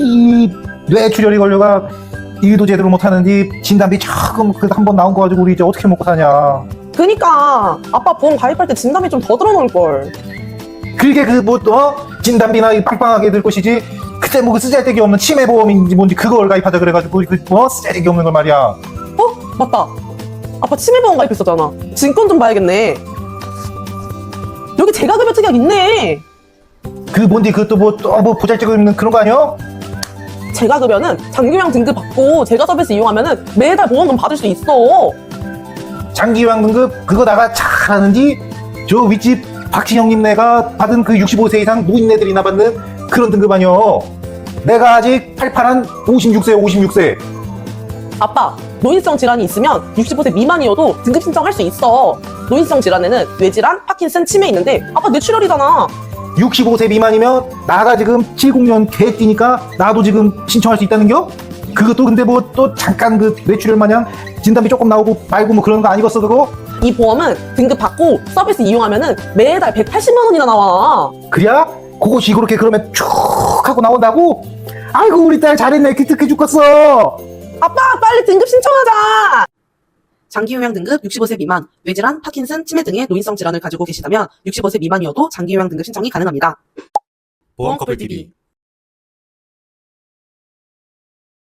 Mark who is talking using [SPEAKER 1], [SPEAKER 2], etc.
[SPEAKER 1] 이 뇌출혈이 걸려가 일도 제대로 못하는지 진단비 조금 그래도 한 번 나온 거 가지고 우리 이제 어떻게 먹고 사냐.
[SPEAKER 2] 그니까 아빠 보험 가입할 때 진단비 좀 더 들어놓을걸.
[SPEAKER 1] 그게 진단비나 빵빵하게 들 것이지. 그때 뭐 그 쓰잘데기 없는 치매보험인지 뭔지 그걸 가입하자 그래가지고 쓰잘데기 없는 걸 말이야.
[SPEAKER 2] 맞다. 아빠 치매보험 가입했었잖아. 증권 좀 봐야겠네. 여기 재가급여 특약 있네.
[SPEAKER 1] 그 뭔지 그것도 뭐 보잘데기 없는 그런 거 아니야?
[SPEAKER 2] 재가급여는 장기요양 등급 받고 재가 서비스 이용하면은 매달 보험금 받을 수 있어.
[SPEAKER 1] 장기요양 등급 그거 나가 잘하는지 저 윗집 박신형님 네가 받은 그 65세 이상 노인네들이나 받는 그런 등급 아니여. 내가 아직 팔팔한 56세.
[SPEAKER 2] 아빠, 노인성 질환이 있으면 65세 미만이어도 등급 신청할 수 있어. 노인성 질환에는 뇌질환, 파킨슨, 치매 있는데 아빠 뇌출혈이잖아.
[SPEAKER 1] 65세 미만이면 나가 지금 70년 개띠니까 나도 지금 신청할 수 있다는겨? 그것도 근데 뭐 또 잠깐 그 뇌출혈 마냥 진단비 조금 나오고 말고 뭐 그런 거 아니겠어 그거?
[SPEAKER 2] 이 보험은 등급 받고 서비스 이용하면은 매달 180만 원이나 나와.
[SPEAKER 1] 그래야? 그것이 그렇게 그러면 쭉 하고 나온다고? 아이고 우리 딸 잘했네. 기특해 죽겠어.
[SPEAKER 2] 아빠, 빨리 등급 신청하자. 장기요양 등급 65세 미만, 뇌질환, 파킨슨, 치매 등의 노인성 질환을 가지고 계시다면 65세 미만이어도 장기요양 등급 신청이 가능합니다.
[SPEAKER 3] 보험커플TV